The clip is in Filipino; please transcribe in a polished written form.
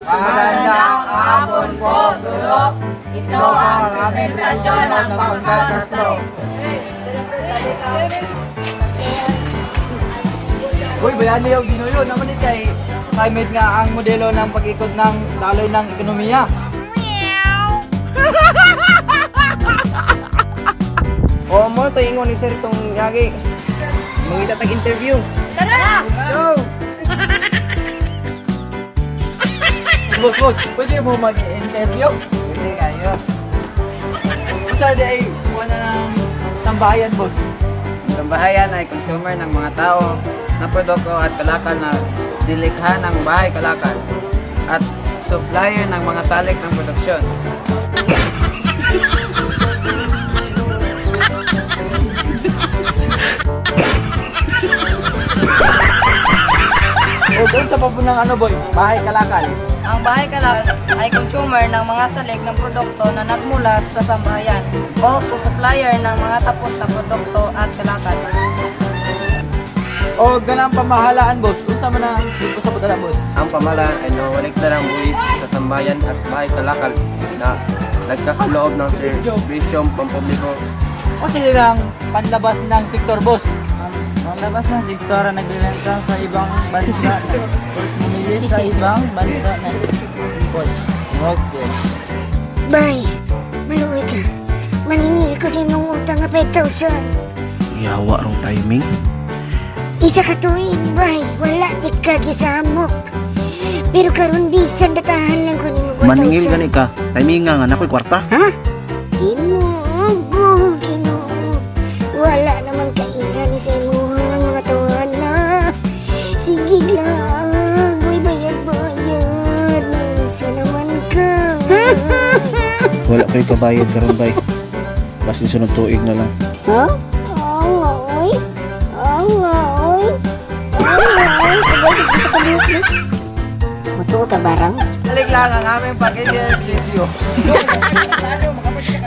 Magandang hapon po, Guro. Ito ang presentasyon ng pangkatlo. Uy, bayan niyo, ginuyo naman ni kay climate nga ang modelo ng pag-ikot ng daloy ng ekonomiya. O mo to ingon ni sir tong yagi. Mangita tag interview. Tara! Go! Boss, pwede mo mag-interview? Pwede kayo. Basta di ay wala ng tambayan, boss. Ang bahayan ay consumer ng mga tao ng produkto at kalakal na dilikha ng bahay kalakal at supplier ng mga salik ng produksyon. O doon sa papunang ano, boy? Bahay kalakal. Ang bahay kalakal ay consumer ng mga salik ng produkto na nagmula sa sambahayan o supplier ng mga tapos na produkto at kalakal. O ganang pamahalaan, boss. Unsa man ang dito sa pagdala, boss? Ang pamahalaan ay nawalikta ng buwis sa sambayan at bahay kalakal na nagkakaloob ng serbisyong pampubliko. O silang panlabas ng sektor, boss? Malabas na si Stora naglilenta sa ibang bansa na pumili sa ibang bansa na import. Okay. Bay, maluwi ka. Maningil ko sa imong utang na 5,000. Yawa rong timing. Isa ka tuig, bay. Wala di ka gisamok. Pero karon bisan datahan lang ko ni mo 4,000. Maningil gani ka. Timing nga nakoy kwarta. Ha? Ginoo, Ginoo. Wala naman kaingan ni sa imong mga tuhan na. Sige lang. Uy, bayad-bayad. Isa naman ka. Wala ko'y kabayad karon bay. Basta sunod tuig na lang. Ha? Awa, oy. Awa, oy. Awa, oy. Sabay, isa ka buhok na. Mutuo ka barang? Alik lang ang aming pag-interview.